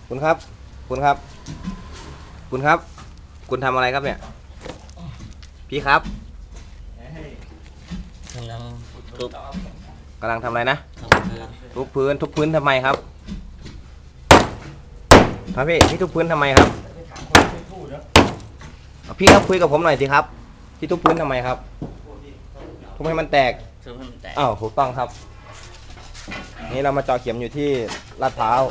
คุณครับคุณครับคุณครับคุณทำอะไรครับเนี่ยพี่ครับกำลังทุบกำลังทำอะไรนะทุบพื้นทุบพื้นทำไมครับครับพี่ทุบพื้นทำไมครับพี่ครับคุยกับผมหน่อยสิครับพี่ทุบพื้นทำไมครับทุบให้มันแตกทุบให้มันแตกอ้าวถูกต้องครับนี่เรามาเจาะเข็มอยู่ที่ลาดพร้าว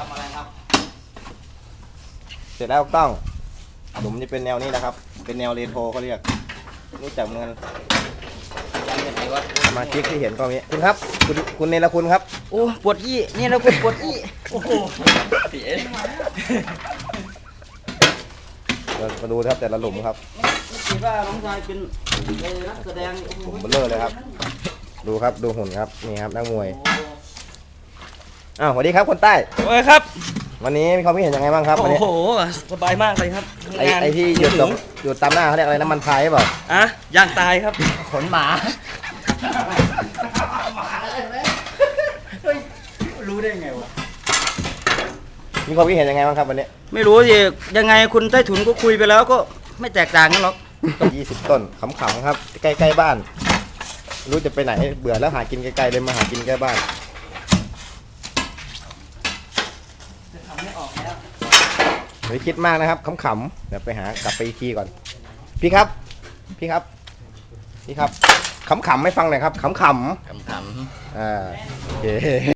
เสร็จแล้วต้องหลุมจะเป็นแนวนี้นะครับเป็นแนวเรโทรเขาเรียกรู้จักเหมือนกันมาชิกที่เห็นก็มีคุณครับคุณเนรคุณครับโอ้ปวดยี่นี่เราปวดยี่โอ้โหเสียมาดูครับแต่ละหลุมครับไม่คิดว่าน้องชายเป็นนักแสดงหลุมเบลเลอร์เลยครับดูครับดูหุ่นครับนี่ครับนักมวยอ้าวสวัสดีครับคนใต้โอ้ยครับวันนี้มีความคิดเห็นยังไงบ้างครับวันนี้โอ้โหสบายมากเลยครับไอที่หยุดตามหน้าเขาเรียกอะไรน้ำมันพายหรือเปล่าอ่ะย่างตายครับขนหมารู้ได้ไงวะมีความคิดเห็นยังไงบ้างครับวันนี้ไม่รู้ยังไงคุณใต้ถุนก็คุยไปแล้วก็ไม่แตกต่างกันหรอก 20 ต้นขำๆครับใกล้ๆบ้านรู้จะไปไหนเบื่อแล้วหากินไกลๆเลยมาหากินใกล้บ้านไม่คิดมากนะครับขำๆเดี๋ยวไปหากลับไปอีกทีก่อนพี่ครับขำๆไม่ฟังหน่อยครับขำๆโอเค